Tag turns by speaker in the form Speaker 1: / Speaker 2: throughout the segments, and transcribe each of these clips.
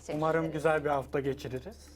Speaker 1: Teşekkür
Speaker 2: Umarım
Speaker 1: ederiz.
Speaker 2: güzel bir hafta geçiririz.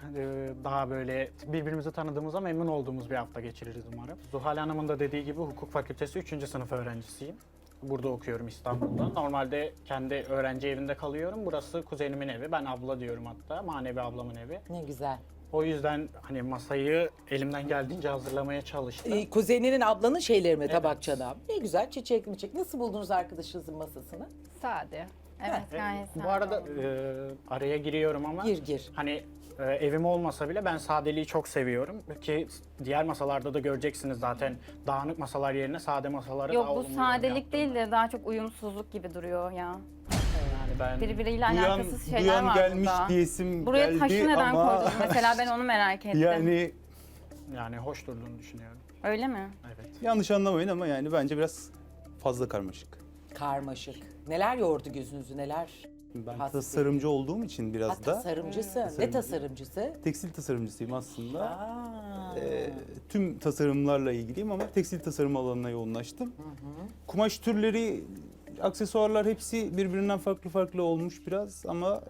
Speaker 2: Daha böyle birbirimizi tanıdığımıza memnun olduğumuz bir hafta geçiririz umarım. Zuhal Hanım'ın da dediği gibi hukuk fakültesi 3. sınıf öğrencisiyim. Burada okuyorum İstanbul'da. Normalde kendi öğrenci evinde kalıyorum. Burası kuzenimin evi. Ben abla diyorum hatta. Manevi ablamın evi.
Speaker 3: Ne güzel.
Speaker 2: O yüzden hani masayı elimden geldiğince hazırlamaya çalıştım.
Speaker 3: Kuzeninin, ablanın şeyleri mi, tabak çanağı? Ne güzel, çiçek mi çiçek. Nasıl buldunuz arkadaşınızın masasını?
Speaker 4: Sade. Evet, gayet sade.
Speaker 2: Bu arada
Speaker 4: oldu.
Speaker 2: araya giriyorum ama
Speaker 3: Gir.
Speaker 2: hani evim olmasa bile ben sadeliği çok seviyorum ki diğer masalarda da göreceksiniz zaten dağınık masalar yerine sade masaları
Speaker 4: Yok
Speaker 2: daha
Speaker 4: bu
Speaker 2: olumlu
Speaker 4: sadelik
Speaker 2: yaptım.
Speaker 4: değil de daha çok uyumsuzluk gibi duruyor ya.
Speaker 2: Yani ben
Speaker 4: Birbiriyle
Speaker 5: Duyan,
Speaker 4: alakasız şeyler
Speaker 5: duyan
Speaker 4: var
Speaker 5: gelmiş
Speaker 4: burada.
Speaker 5: diyesim
Speaker 4: Buraya
Speaker 5: geldi
Speaker 4: taşı neden
Speaker 5: ama
Speaker 4: koydunuz mesela ben onu merak ettim.
Speaker 5: yani
Speaker 2: hoş durduğunu düşünüyorum.
Speaker 4: Öyle mi?
Speaker 2: Evet.
Speaker 5: yanlış anlamayın ama yani bence biraz fazla karmaşık.
Speaker 3: Karmaşık. Neler yordu gözünüzü, neler?
Speaker 5: Ben
Speaker 3: Hasbi.
Speaker 5: tasarımcı olduğum için biraz
Speaker 3: Ha,
Speaker 5: da
Speaker 3: tasarımcısın. Ne
Speaker 5: Tasarımcı.
Speaker 3: tasarımcısı?
Speaker 5: tekstil tasarımcısıyım aslında.
Speaker 3: Aa.
Speaker 5: Tüm tasarımlarla ilgiliyim ama tekstil tasarım alanına yoğunlaştım. Kumaş türleri, aksesuarlar hepsi birbirinden farklı olmuş biraz ama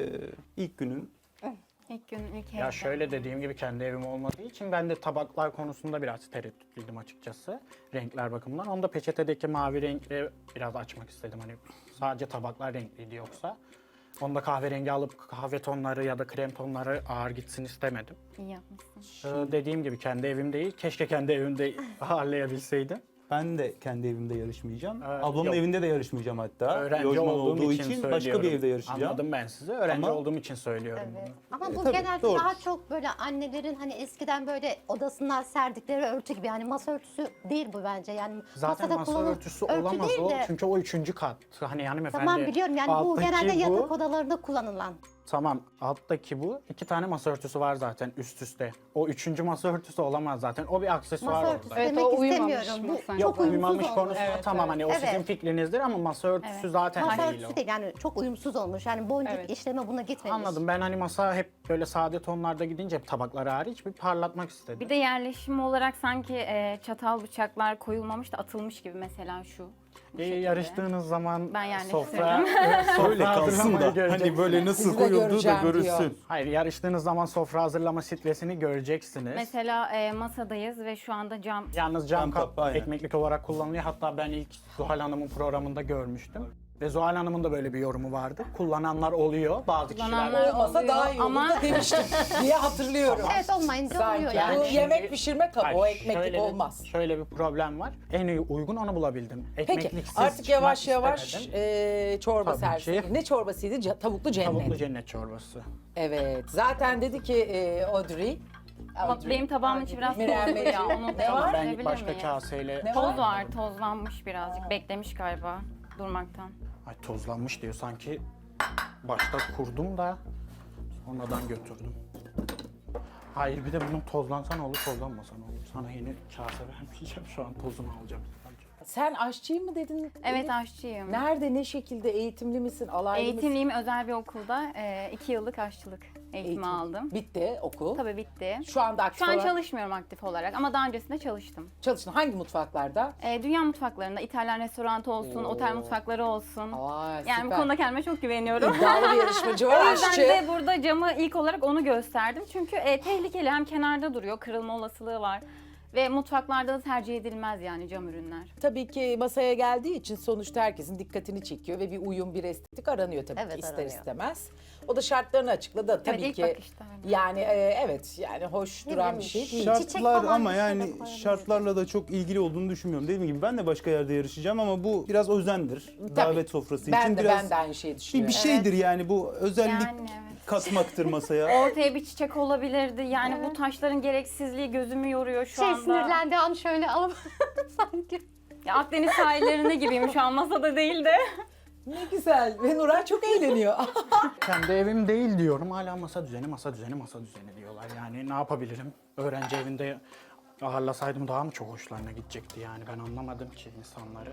Speaker 5: ilk günün
Speaker 4: İlk gün, ilk
Speaker 2: Ya
Speaker 4: evde.
Speaker 2: şöyle dediğim gibi kendi evim olmadığı için ben de tabaklar konusunda biraz tereddütlüydüm açıkçası. Renkler bakımından. Onu da peçetedeki mavi renkle biraz açmak istedim. Hani sadece tabaklar renkliydi yoksa. Onu da kahverengi alıp kahve tonları ya da krem tonları ağır gitsin istemedim.
Speaker 4: İyi yapmışsın.
Speaker 2: Dediğim gibi kendi evim değil. Keşke kendi evimde ağırlayabilseydim.
Speaker 5: ben de kendi evimde yarışmayacağım.
Speaker 2: Evet,
Speaker 5: Ablamın
Speaker 2: yok.
Speaker 5: evinde de yarışmayacağım hatta.
Speaker 2: Öğrenci
Speaker 5: Lojman
Speaker 2: olduğum
Speaker 5: olduğu
Speaker 2: için
Speaker 5: için
Speaker 2: söylüyorum.
Speaker 5: başka bir evde yarışacağım.
Speaker 2: Anladım ben sizi. Öğrenci
Speaker 5: Ama-
Speaker 2: olduğum için söylüyorum
Speaker 1: Evet.
Speaker 2: bunu.
Speaker 1: Ama bu
Speaker 5: tabii,
Speaker 1: genelde
Speaker 5: doğru.
Speaker 1: daha çok böyle annelerin hani eskiden böyle odasından serdikleri örtü gibi. Yani masa örtüsü değil bu bence. Yani
Speaker 2: Zaten
Speaker 1: masada
Speaker 2: masa
Speaker 1: kullanılan
Speaker 2: örtüsü
Speaker 1: örtü
Speaker 2: olamaz
Speaker 1: değil
Speaker 2: o.
Speaker 1: de-
Speaker 2: Çünkü o 3. kat. Hani hanımefendi.
Speaker 1: Tamam biliyorum yani bu
Speaker 2: alttaki
Speaker 1: genelde
Speaker 2: bu-
Speaker 1: yatak odalarında kullanılan.
Speaker 2: Tamam, alttaki bu. 2 tane masa örtüsü var zaten üst üste. O 3. masa örtüsü olamaz zaten. O bir aksesuar
Speaker 1: Masa
Speaker 2: orada.
Speaker 1: örtüsü
Speaker 4: Evet,
Speaker 1: demek
Speaker 4: o uyumamış
Speaker 1: istemiyorum. Bu
Speaker 4: masa.
Speaker 1: çok
Speaker 2: Yok,
Speaker 1: uyumsuz
Speaker 2: uyumamış
Speaker 1: olmuş.
Speaker 2: konusu tamam hani o
Speaker 1: Evet.
Speaker 2: sizin fikrinizdir ama masa örtüsü
Speaker 4: Evet.
Speaker 2: zaten
Speaker 1: Masa
Speaker 2: değil o.
Speaker 1: örtüsü değil yani çok uyumsuz olmuş. Yani boncuk
Speaker 4: Evet.
Speaker 1: işleme buna gitmemiş.
Speaker 2: Anladım. Ben hani masa hep böyle sade tonlarda gidince tabakları hariç bir parlatmak istedim.
Speaker 4: Bir de yerleşim olarak sanki çatal bıçaklar koyulmamış da atılmış gibi mesela şu. Bu şekilde.
Speaker 2: Yarıştığınız zaman
Speaker 4: Ben yani
Speaker 2: sofra,
Speaker 5: Öyle kalsın
Speaker 2: hazırlamayı
Speaker 5: da
Speaker 2: göreceksiniz.
Speaker 5: hani böyle nasıl
Speaker 3: Sizi de
Speaker 5: koyulduğu da
Speaker 3: göreceğim
Speaker 5: görülsün.
Speaker 3: diyor.
Speaker 2: Hayır, yarıştığınız zaman sofra hazırlama stresini göreceksiniz.
Speaker 4: Mesela masadayız ve şu anda cam.
Speaker 2: Yalnız cam
Speaker 5: Cam
Speaker 2: kap
Speaker 5: kap, aynen.
Speaker 2: ekmeklik olarak kullanılıyor. Hatta ben ilk Zuhal Hanım'ın programında görmüştüm. Ve Zuhal Hanım'ın da böyle bir yorumu vardı. Kullananlar oluyor. Bazı
Speaker 4: Kullananlar
Speaker 2: kişiler...
Speaker 3: Olmasa
Speaker 4: oluyor
Speaker 3: daha iyi olur
Speaker 4: ama-
Speaker 3: da demiştim diye hatırlıyorum.
Speaker 1: Evet olmayınca oluyor
Speaker 3: Sanki.
Speaker 1: yani.
Speaker 3: Bu
Speaker 2: Şimdi-
Speaker 3: yemek pişirme kabı, o
Speaker 2: Hayır,
Speaker 3: ekmeklik
Speaker 2: şöyle
Speaker 3: olmaz.
Speaker 2: Şöyle bir problem var. En iyi uygun onu bulabildim.
Speaker 3: Peki
Speaker 2: Ekmekliksiz
Speaker 3: artık yavaş
Speaker 2: çıkmak
Speaker 3: yavaş
Speaker 2: istemedim.
Speaker 3: çorba
Speaker 2: Tabii
Speaker 3: servisi.
Speaker 2: ki.
Speaker 3: Ne çorbasıydı? Tavuklu cennet.
Speaker 2: Tavuklu cennet çorbası.
Speaker 3: Evet. Zaten dedi ki Audrey.
Speaker 4: Ama benim tabağımın içi biraz
Speaker 3: Mirem
Speaker 4: tozlu
Speaker 3: Bey.
Speaker 4: ya. Onu
Speaker 3: Ne var?
Speaker 2: Ben
Speaker 4: değiştirebilir
Speaker 2: başka
Speaker 4: miyim?
Speaker 2: kaseyle...
Speaker 3: Ne
Speaker 4: Toz var, tozlanmış birazcık. Beklemiş galiba durmaktan.
Speaker 2: Ay tozlanmış diyor sanki. Başta kurdum da sonradan götürdüm. Hayır bir de bunun tozlansa ne olur, tozlanmasa ne olur. Sana yeni kase vermeyeceğim. Şu an tozunu alacağım.
Speaker 3: Sen aşçıyım mı dedin?
Speaker 4: Evet aşçıyım.
Speaker 3: Nerede, ne şekilde, eğitimli misin, alaylı mısın?
Speaker 4: Eğitimliyim özel bir okulda. 2 yıllık aşçılık eğitimi
Speaker 3: Eğitim.
Speaker 4: aldım.
Speaker 3: Bitti okul.
Speaker 4: Tabii bitti.
Speaker 3: Şu anda aktif
Speaker 4: Şu an
Speaker 3: olarak
Speaker 4: çalışmıyorum aktif olarak ama daha öncesinde çalıştım.
Speaker 3: çalıştın. Hangi mutfaklarda?
Speaker 4: Dünya mutfaklarında İtalyan restoranı olsun,
Speaker 3: Oo.
Speaker 4: otel mutfakları olsun.
Speaker 3: Aa,
Speaker 4: Yani bu
Speaker 3: süper.
Speaker 4: konuda kendime çok güveniyorum.
Speaker 3: İddialı bir yarışmacı
Speaker 4: O
Speaker 3: var,
Speaker 4: yüzden
Speaker 3: aşçı.
Speaker 4: de burada camı ilk olarak onu gösterdim. Çünkü tehlikeli, hem kenarda duruyor, kırılma olasılığı var. Ve mutfaklarda da tercih edilmez yani cam ürünler.
Speaker 3: Tabii ki masaya geldiği için sonuçta herkesin dikkatini çekiyor ve bir uyum, bir estetik aranıyor tabii
Speaker 1: Evet,
Speaker 3: ki ister
Speaker 1: aranıyor.
Speaker 3: istemez. O da şartlarını açıkladı tabii
Speaker 4: ilk
Speaker 3: ki.
Speaker 4: bakışta öyle.
Speaker 3: Yani evet yani hoş
Speaker 1: Ne
Speaker 3: duran
Speaker 1: bileyim,
Speaker 3: bir şey değil.
Speaker 1: Çiçek
Speaker 5: Şartlar
Speaker 1: falan
Speaker 5: ama
Speaker 1: bir şey de
Speaker 5: yani
Speaker 1: koyabiliriz.
Speaker 5: şartlarla da çok ilgili olduğunu düşünmüyorum. Dediğim gibi ben de başka yerde yarışacağım ama bu biraz özendir. Davet sofrası
Speaker 3: Ben
Speaker 5: için
Speaker 3: de
Speaker 5: biraz
Speaker 3: ben de aynı şeyi düşünüyorum.
Speaker 5: bir şeydir yani bu özellik
Speaker 4: Yani evet.
Speaker 5: katmaktır masaya.
Speaker 4: Ortaya bir çiçek olabilirdi. Yani bu taşların gereksizliği gözümü yoruyor şu anda.
Speaker 1: Sinirlendiği an şöyle alıp sanki.
Speaker 4: Ya Akdeniz sahillerinde gibiyim şu an, masada değil de.
Speaker 3: Ne güzel ve Nuray çok eğleniyor.
Speaker 2: Kendi evim değil diyorum. Hala masa düzeni, masa düzeni, masa düzeni diyorlar. Yani ne yapabilirim? Öğrenci evinde ağırlasaydım daha mı çok hoşlarına gidecekti yani. Ben anlamadım ki insanları.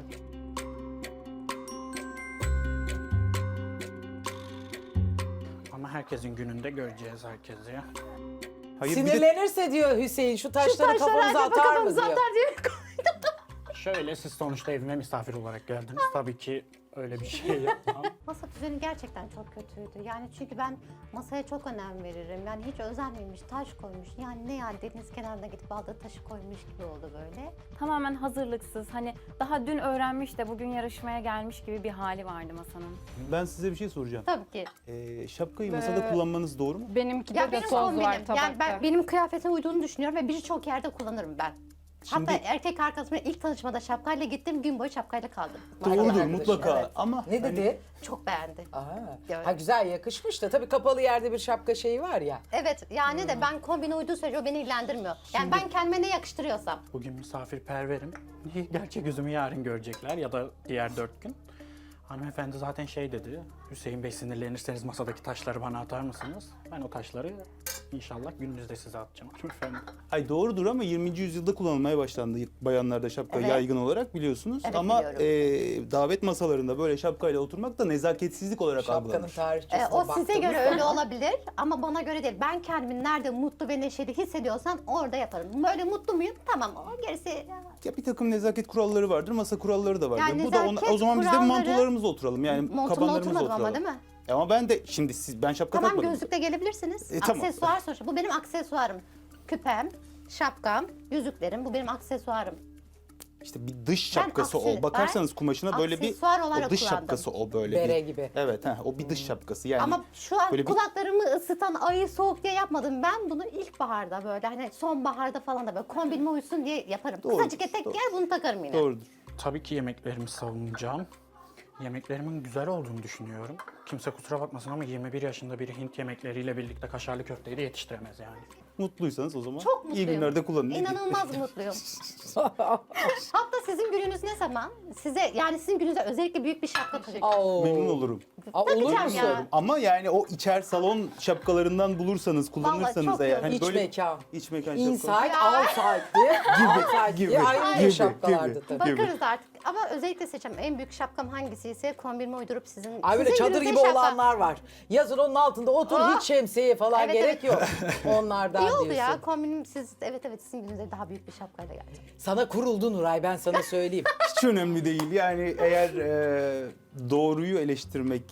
Speaker 2: Ama herkesin gününde göreceğiz herkesi.
Speaker 5: Hayır bir de
Speaker 3: Sinirlenirse diyor Hüseyin şu taşları
Speaker 1: Taşlar
Speaker 3: kafanıza
Speaker 1: acaba
Speaker 3: atar mı
Speaker 1: kafamıza
Speaker 3: diyor.
Speaker 1: atar diye.
Speaker 2: Şöyle siz sonuçta evime misafir olarak geldiniz. Tabii ki öyle bir şey yapmam.
Speaker 1: Masa düzeni gerçekten çok kötüydü. Yani çünkü ben masaya çok önem veririm. Yani hiç özenmemiş, taş koymuş. Yani ne yani deniz kenarına gidip aldığı taşı koymuş gibi oldu böyle.
Speaker 4: Tamamen hazırlıksız. Hani daha dün öğrenmiş de bugün yarışmaya gelmiş gibi bir hali vardı masanın.
Speaker 5: Ben size bir şey soracağım.
Speaker 1: Tabii ki.
Speaker 5: Şapkayı masada kullanmanız doğru mu?
Speaker 6: Benimki
Speaker 1: Ya
Speaker 6: de
Speaker 1: benim
Speaker 6: toz var
Speaker 1: kombinim.
Speaker 6: tabakta.
Speaker 1: Yani benim kıyafetime uyduğunu düşünüyorum ve birçok yerde kullanırım ben.
Speaker 5: Şimdi-
Speaker 1: Hatta erkek arkadaşımla ilk tanışmada şapkayla gittim, gün boyu şapkayla kaldım.
Speaker 5: Doğrudur
Speaker 3: Arkadaş,
Speaker 5: mutlaka
Speaker 3: evet.
Speaker 5: ama
Speaker 3: Ne dedi?
Speaker 1: Çok beğendi.
Speaker 3: Aha.
Speaker 1: Evet.
Speaker 3: Ha, güzel yakışmış da tabii kapalı yerde bir şapka şeyi var ya.
Speaker 1: Evet yani de ben kombine uyduğu sürece o beni ilgilendirmiyor. Yani ben kendime ne yakıştırıyorsam.
Speaker 2: Bugün misafirperverim. Gerçek yüzümü yarın görecekler ya da diğer 4 gün. Hanımefendi zaten şey dedi, Hüseyin Bey sinirlenirseniz masadaki taşları bana atar mısınız? Ben o taşları inşallah gününüzde size atacağım hanımefendi.
Speaker 5: Ay doğrudur ama 20. yüzyılda kullanılmaya başlandı bayanlarda şapka
Speaker 1: Evet.
Speaker 5: yaygın olarak biliyorsunuz.
Speaker 1: Evet,
Speaker 5: ama
Speaker 1: biliyorum.
Speaker 5: davet masalarında böyle şapkayla oturmak da nezaketsizlik olarak
Speaker 3: Şapkanın
Speaker 5: algılanmış.
Speaker 3: tarihçesine
Speaker 1: O size göre
Speaker 3: baktığımız
Speaker 1: öyle
Speaker 3: zaman-
Speaker 1: olabilir ama bana göre değil. Ben kendimi nerede mutlu ve neşeli hissediyorsam orada yaparım. Böyle mutlu muyum? Tamam o gerisi...
Speaker 5: Ya bir takım nezaket kuralları vardır, masa kuralları da vardır.
Speaker 1: Yani
Speaker 5: Bu da
Speaker 1: nezaket
Speaker 5: o zaman biz de
Speaker 1: kuralları-
Speaker 5: mantolarımızla oturalım. Yani
Speaker 1: Montumla
Speaker 5: kabanlarımızla
Speaker 1: oturmadım
Speaker 5: oturalım.
Speaker 1: ama değil mi?
Speaker 5: Ama ben de şimdi ben şapka
Speaker 1: Tamam
Speaker 5: takmadım.
Speaker 1: gözlükle gelebilirsiniz.
Speaker 5: Tamam.
Speaker 1: Aksesuar sonuçta. Bu benim aksesuarım. Küpem, şapkam, yüzüklerim bu benim aksesuarım.
Speaker 5: İşte bir dış
Speaker 1: Ben
Speaker 5: şapkası
Speaker 1: aksi-
Speaker 5: o. Bakarsanız
Speaker 1: ben
Speaker 5: kumaşına böyle bir
Speaker 1: aksesuar olarak
Speaker 5: o dış
Speaker 1: kullandım.
Speaker 5: şapkası o böyle
Speaker 3: Bere
Speaker 5: bir.
Speaker 3: gibi.
Speaker 5: Evet, o bir dış şapkası yani.
Speaker 1: Ama şu an
Speaker 5: böyle bir-
Speaker 1: kulaklarımı ısıtan ayı soğuk diye yapmadım. Ben bunu ilkbaharda böyle hani sonbaharda falan da böyle kombinime uysun diye yaparım.
Speaker 5: Doğrudur,
Speaker 1: Kısacık etek
Speaker 5: doğru.
Speaker 1: giyer bunu takarım yine.
Speaker 5: Doğrudur.
Speaker 2: Tabii ki yemeklerimi savunacağım. Yemeklerimin güzel olduğunu düşünüyorum. Kimse kusura bakmasın ama 21 yaşında biri Hint yemekleriyle birlikte kaşarlı köfteyi de yetiştiremez yani.
Speaker 5: Mutluysanız o zaman
Speaker 1: Çok
Speaker 5: iyi
Speaker 1: mutluyum.
Speaker 5: günlerde kullanın.
Speaker 1: İnanılmaz mutluyum. Hatta sizin gününüz ne zaman? Yani sizin gününüzde özellikle büyük bir şapka takacağım.
Speaker 3: Oo.
Speaker 5: Memnun olurum.
Speaker 3: Aa, olur
Speaker 1: Takacağım
Speaker 3: musun?
Speaker 1: ya.
Speaker 5: Ama yani o içer salon şapkalarından bulursanız, kullanırsanız
Speaker 1: çok
Speaker 5: eğer.
Speaker 1: iyi.
Speaker 5: Hani
Speaker 3: İç
Speaker 5: böyle
Speaker 3: mekan.
Speaker 5: iç mekan
Speaker 3: Inside,
Speaker 5: şapkaları.
Speaker 3: outside diye. Outside
Speaker 5: gibi,
Speaker 3: diye ayrı
Speaker 5: gibi,
Speaker 3: şapkalardı
Speaker 5: gibi.
Speaker 3: tabii.
Speaker 1: Bakarız artık. Ama özellikle seçeceğim. En büyük şapkam hangisiyse kombinime uydurup sizin...
Speaker 3: Ay böyle
Speaker 1: sizin
Speaker 3: çadır
Speaker 1: gününüzde
Speaker 3: gibi
Speaker 1: şapka.
Speaker 3: olanlar var. Yazın onun altında otur
Speaker 1: Ah!
Speaker 3: hiç şemsiye falan
Speaker 1: Evet,
Speaker 3: gerek
Speaker 1: evet.
Speaker 3: yok. Onlardan
Speaker 1: İyi oldu
Speaker 3: diyorsun.
Speaker 1: ya kombinim siz evet sizin gününüzde daha büyük bir şapkayla geldim.
Speaker 3: Sana kuruldu Nuray ben sana söyleyeyim.
Speaker 5: Hiç önemli değil. Yani eğer doğruyu eleştirmek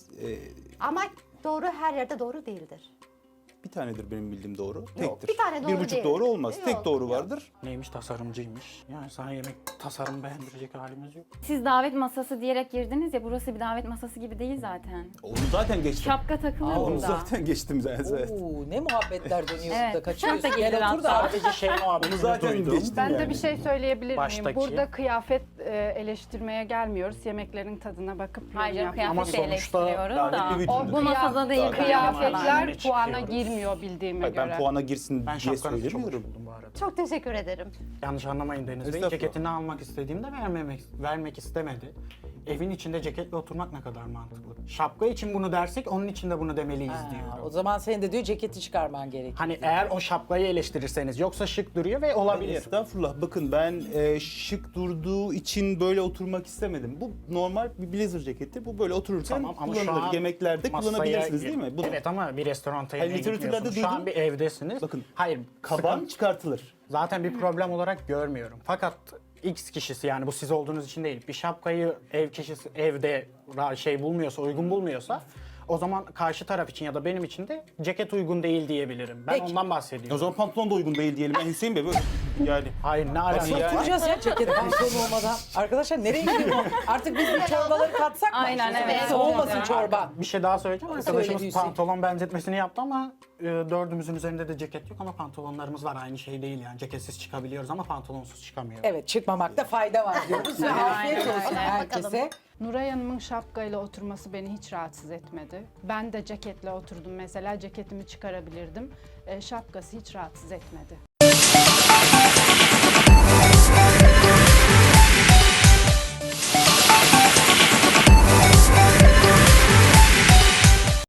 Speaker 1: Ama doğru her yerde doğru değildir.
Speaker 5: bir tanedir benim bildiğim doğru. Tektir.
Speaker 1: bir tane doğru
Speaker 5: 1,5
Speaker 1: değil.
Speaker 5: doğru olmaz.
Speaker 1: Yok,
Speaker 5: Tek doğru
Speaker 1: yok.
Speaker 5: vardır.
Speaker 2: Neymiş tasarımcıymış. Yani sana yemek tasarım beğendirecek halimiz yok.
Speaker 4: Siz davet masası diyerek girdiniz ya, burası bir davet masası gibi değil zaten.
Speaker 5: Onu zaten geçtim.
Speaker 4: Şapka takılır
Speaker 5: Onu
Speaker 4: burada.
Speaker 5: zaten geçtim zaten.
Speaker 3: Oo, ne muhabbetler dönüyor
Speaker 4: Evet,
Speaker 3: burada kaçıyorsun.
Speaker 4: çok da
Speaker 3: Gel
Speaker 4: gelir
Speaker 3: otur da.
Speaker 4: hatta.
Speaker 2: Sadece şey muhabbetini
Speaker 5: zaten
Speaker 2: duydum.
Speaker 5: geçtim.
Speaker 6: Ben de
Speaker 5: yani.
Speaker 6: bir şey söyleyebilir miyim?
Speaker 2: Baştaki.
Speaker 6: Burada kıyafet eleştirmeye gelmiyoruz. Yemeklerin tadına bakıp yorum
Speaker 4: Hayır,
Speaker 6: yapıyoruz.
Speaker 2: Ama
Speaker 4: kıyafet
Speaker 2: sonuçta
Speaker 4: eleştiriyoruz
Speaker 5: lanetli
Speaker 4: da.
Speaker 5: bir
Speaker 6: O
Speaker 5: bütündür.
Speaker 4: Bu masada değil.
Speaker 6: Kıyafetler
Speaker 2: Yine
Speaker 6: puana
Speaker 2: çıkıyoruz.
Speaker 6: girmiyor bildiğime
Speaker 5: Hayır,
Speaker 6: göre.
Speaker 5: ben puana girsin
Speaker 2: Ben
Speaker 5: diye
Speaker 2: şapkanızı çok hoş
Speaker 5: söylemiyorum.
Speaker 2: buldum bu arada.
Speaker 1: Çok teşekkür ederim.
Speaker 2: Yanlış anlamayın Deniz Bey.
Speaker 5: Estağfurullah.
Speaker 2: Ceketini almak istediğimde vermek istemedi. Evin içinde ceketle oturmak ne kadar mantıklı. Şapka için bunu dersek onun için de bunu demeliyiz
Speaker 3: Ha,
Speaker 2: diyorum.
Speaker 3: o zaman senin de diyor ceketi çıkarman gerekiyor.
Speaker 2: Hani eğer o şapkayı eleştirirseniz yoksa şık duruyor ve olabilir.
Speaker 5: Estağfurullah. Bakın ben şık durduğu için böyle oturmak istemedim. Bu normal bir blazer ceketi. Bu böyle otururken
Speaker 2: Tamam ama şu
Speaker 5: kullanılır.
Speaker 2: an
Speaker 5: Yemeklerde
Speaker 2: masaya
Speaker 5: kullanabilirsiniz değil mi? Bunu
Speaker 2: Evet ama bir restoranta
Speaker 5: Hayır,
Speaker 2: yemeğe
Speaker 5: literatürlerde
Speaker 2: gitmiyorsunuz. Şu an
Speaker 5: duydum.
Speaker 2: bir evdesiniz.
Speaker 5: Bakın,
Speaker 2: Hayır,
Speaker 5: kaban
Speaker 2: sıkıntı-
Speaker 5: çıkartılır.
Speaker 2: zaten bir problem olarak görmüyorum. Fakat X kişisi yani bu siz olduğunuz için değil. Bir şapkayı ev kişisi evde bulmuyorsa, uygun bulmuyorsa o zaman karşı taraf için ya da benim için de ceket uygun değil diyebilirim. Ben
Speaker 3: Peki.
Speaker 2: ondan bahsediyorum.
Speaker 5: O zaman pantolon da uygun değil diyelim. Yani Hüseyin Bey böyle yani
Speaker 2: Hayır ne alakası
Speaker 5: yani-
Speaker 2: var?
Speaker 3: Oturacağız ya ceket pantolon olmadan. Arkadaşlar nereye gidiyor bu? Artık biz bu çorbaları katsak mı?
Speaker 4: Aynen, evet.
Speaker 3: Olmasın çorba.
Speaker 2: Bir şey daha söyleyeceğim.
Speaker 3: Söyle
Speaker 2: Arkadaşımız
Speaker 3: Hüseyin.
Speaker 2: pantolon benzetmesini yaptı ama dördümüzün üzerinde de ceket yok ama pantolonlarımız var. Aynı şey değil yani. Ceketsiz çıkabiliyoruz ama pantolonsuz çıkamıyoruz.
Speaker 3: Evet çıkmamakta fayda var diyoruz ve afiyet olsun
Speaker 1: Bakalım.
Speaker 3: herkese.
Speaker 6: Nuray Hanım'ın şapkayla oturması beni hiç rahatsız etmedi. Ben de ceketle oturdum mesela. Ceketimi çıkarabilirdim. Şapkası hiç rahatsız etmedi.